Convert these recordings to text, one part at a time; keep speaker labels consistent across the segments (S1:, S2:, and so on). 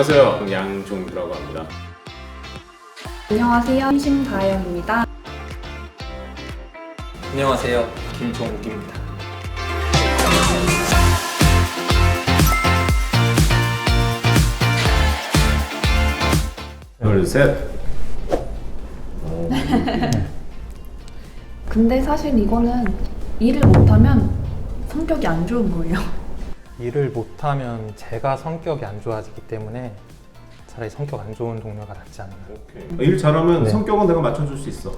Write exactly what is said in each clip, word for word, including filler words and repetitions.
S1: 안녕하세요. 양종규라고 합니다.
S2: 안녕하세요. 심다영입니다.
S3: 안녕하세요. 김종욱입니다.
S1: 둘, 셋.
S2: 근데 사실 이거는 일을 못하면 성격이 안 좋은 거예요.
S4: 일을 못하면 제가 성격이 안 좋아지기 때문에 차라리 성격 안 좋은 동료가 낫지 않나.
S1: 오케이. 일 잘하면
S4: 네.
S1: 성격은 내가 맞춰줄 수 있어.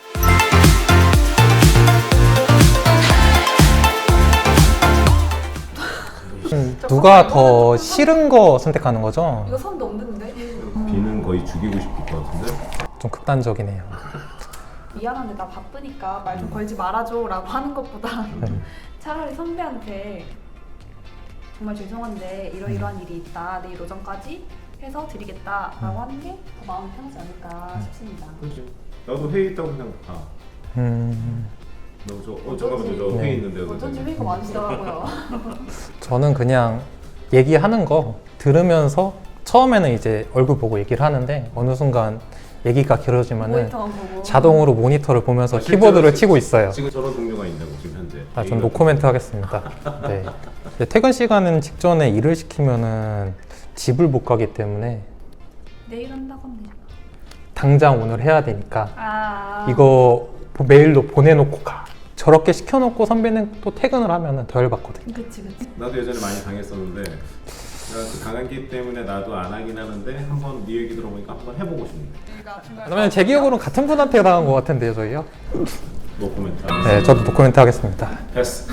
S4: 음, 누가 더 싫은 거 선택하는 거죠?
S2: 이거 선 넘는데?
S1: 비는 거의 죽이고 싶을 것 같은데.
S4: 좀 극단적이네요.
S2: 미안한데 나 바쁘니까 말 좀 걸지 말아줘 라고 하는 것보다
S4: 네.
S2: 차라리 선배한테 정말 죄송한데 이러이러한 일이 있다. 내일 오전까지 해서 드리겠다 라고 하는 게 더 마음이 편하지 않을까 싶습니다.
S1: 그렇지. 나도 회의 있다고 그냥 가.
S4: 음,
S1: 너 저, 어 잠깐만요. 저
S4: 네.
S1: 회의 있는데.
S2: 어쩐지 회의가 많으시더라고요.
S4: 저는 그냥 얘기하는 거 들으면서 처음에는 이제 얼굴 보고 얘기를 하는데 어느 순간 얘기가 길어지면은
S2: 모니터만 보고
S4: 자동으로 모니터를 보면서
S1: 아, 실제로
S4: 키보드를
S1: 지-
S4: 치고 있어요.
S1: 지금 저런 동료가 있다고 지금 현재.
S4: 아, 전 노코멘트 하겠습니다. 네. 이제 퇴근 시간은 직전에 일을 시키면은 집을 못 가기 때문에
S2: 내일 한다건데.
S4: 당장 오늘 해야 되니까
S2: 아
S4: 이거 메일로 보내놓고 가. 저렇게 시켜놓고 선배는 또 퇴근을 하면은 더 열받거든요.
S2: 그치 그치.
S1: 나도 예전에 많이 당했었는데 내가 그 강한기 때문에 나도 안 하긴 하는데 한번 네 얘기 들어보니까 한번 해보고 싶네.
S4: 그러면 제 기억으로는 같은 분한테 당한 것 같은데요, 저희요?
S1: 노코멘트.
S4: 네, 저도 노코멘트 하겠습니다.
S1: 패스.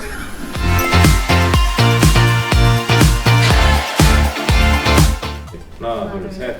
S1: 하나, 둘, 셋.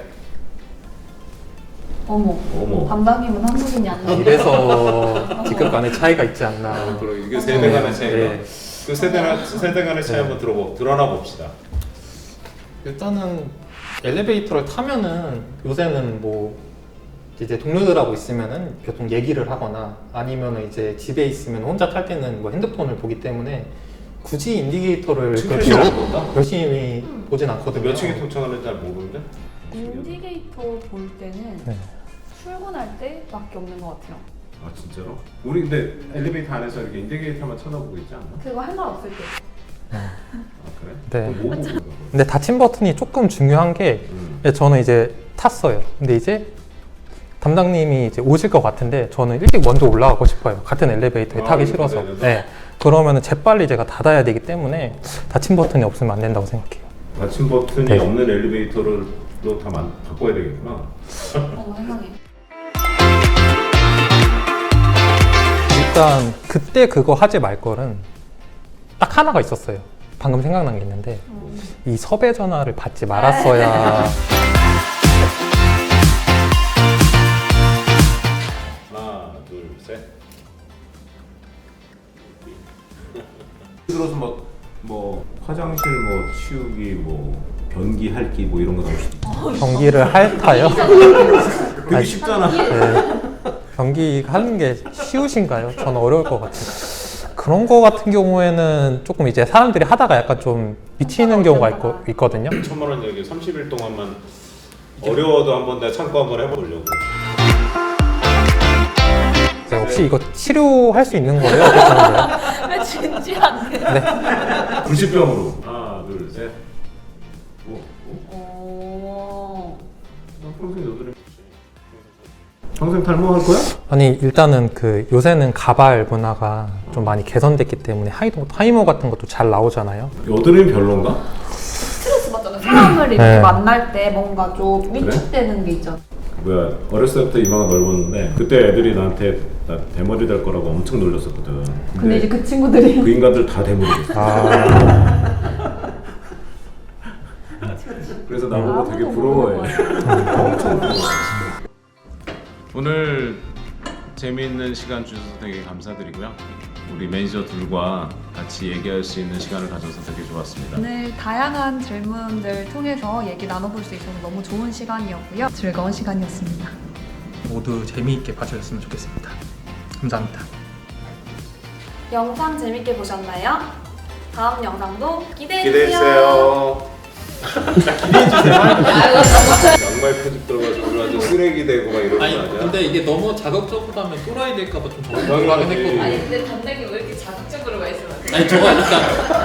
S2: 어머.
S1: 어머.
S2: 담당님은 한국인이 아니에요.
S4: 이래서 직급 간의 차이가 있지 않나.
S1: 그리고 이게 세대 간의 차이가.
S4: 네.
S1: 그 세대 간 세대 간의 차이 한번 들어보 드러나 봅시다.
S4: 일단은 엘리베이터를 타면은 요새는 뭐 이제 동료들하고 있으면은 보통 얘기를 하거나 아니면은 이제 집에 있으면 혼자 탈 때는 뭐 핸드폰을 보기 때문에 굳이 인디게이터를
S1: 지금
S4: 그렇게
S1: 열심히 안 본다?
S4: 열심히 보진 않거든요.
S1: 몇 층에 도착하는지 잘 모르는데.
S2: 인디게이터 볼 때는
S4: 네.
S2: 출근할 때밖에 없는 것 같아요.
S1: 아 진짜로? 우리 근데 엘리베이터 안에서 이렇게 인디게이터만 쳐다보고 있지 않나?
S2: 그거 할 말 없을 때.
S1: 아 그래?
S4: 네.
S1: 그럼 뭐 보고 있는 거야?
S4: 근데 닫힌 버튼이 조금 중요한 게
S1: 음.
S4: 저는 이제 탔어요. 근데 이제 담당님이 이제 오실 것 같은데 저는 일찍 먼저 올라가고 싶어요. 같은 엘리베이터에
S1: 아,
S4: 타기
S1: 이거
S4: 싫어서.
S1: 닫아야 돼서?
S4: 네. 그러면은 재빨리 제가 닫아야 되기 때문에 닫힌 버튼이 없으면 안 된다고 생각해요.
S1: 닫힌 버튼이
S4: 네.
S1: 없는 엘리베이터를 또 다 만- 바꿔야 되겠구나.
S2: 어머 세상에.
S4: 일단 그때 그거 하지 말 거는 딱 하나가 있었어요. 방금 생각난 게 있는데
S2: 음.
S4: 이 섭외 전화를 받지 말았어야.
S1: 하나, 둘, 셋. 들어서 막 뭐 화장실 뭐 치우기 뭐 변기 핥기 뭐 이런 거 나올 수도 있어.
S4: 경기를 핥아요.
S1: 그게
S4: 아니,
S1: 쉽잖아.
S4: 네. 경기 하는 게 쉬우신가요? 저는 어려울 것 같아요. 그런 거 같은 경우에는 조금 이제 사람들이 하다가 약간 좀 미치는 경우가 있거, 있거든요.
S1: 천만 원 여기 삼십 일 동안만 어려워도 한번 내가 참고 한번 해보려고.
S4: 네, 혹시 이거 치료할 수 있는 거예요? 어떻게 하는 거예요?
S2: 왜 진지한데?
S1: 불치병으로. 하나, 둘, 셋. 오, 오.
S2: 오.
S1: 나 평생 여드름. 평생 탈모할 거야?
S4: 아니 일단은 그 요새는 가발 문화가 좀 많이 개선됐기 때문에 하이도, 하이모 같은 것도 잘 나오잖아요.
S1: 여드름이 별론가?
S2: 스트레스 받잖아요. 사람을 이렇게
S4: 네.
S2: 만날 때 뭔가 좀 위축되는 게 있잖아.
S1: 뭐야 어렸을 때부터 이마가 넓었는데 그때 애들이 나한테 나 대머리 될 거라고 엄청 놀렸었거든.
S2: 근데 이제 그 친구들이
S1: 그 인간들 다 대머리 됐어.
S4: 아,
S1: 그래서 나보고 되게
S2: 아무도
S1: 부러워해.
S2: 모르는
S1: 엄청 부러워. 오늘 재미있는 시간 주셔서 되게 감사드리고요. 우리 매니저 둘과 같이 얘기할 수 있는 시간을 가져서 되게 좋았습니다.
S2: 오늘 다양한 질문들 통해서 얘기 나눠볼 수 있어서 너무 좋은 시간이었고요. 즐거운 시간이었습니다.
S4: 모두 재미있게 봐주셨으면 좋겠습니다. 감사합니다.
S2: 영상 재밌게 보셨나요? 다음 영상도 기대해주세요.
S1: 기대해주세요.
S4: 기대해 주세요.
S1: 양말 편집 들어가지고 완전 쓰레기 되고 막 이러는 거
S4: 아니
S1: 아니야?
S4: 근데 이게 너무 자극적으로 하면 또라이 될까봐 좀
S1: 당연하지.
S4: 걱정하긴 했거든요.
S5: 아니 근데 단백이 왜 이렇게 자극적으로 말씀하세요?
S4: 아니 저거 일단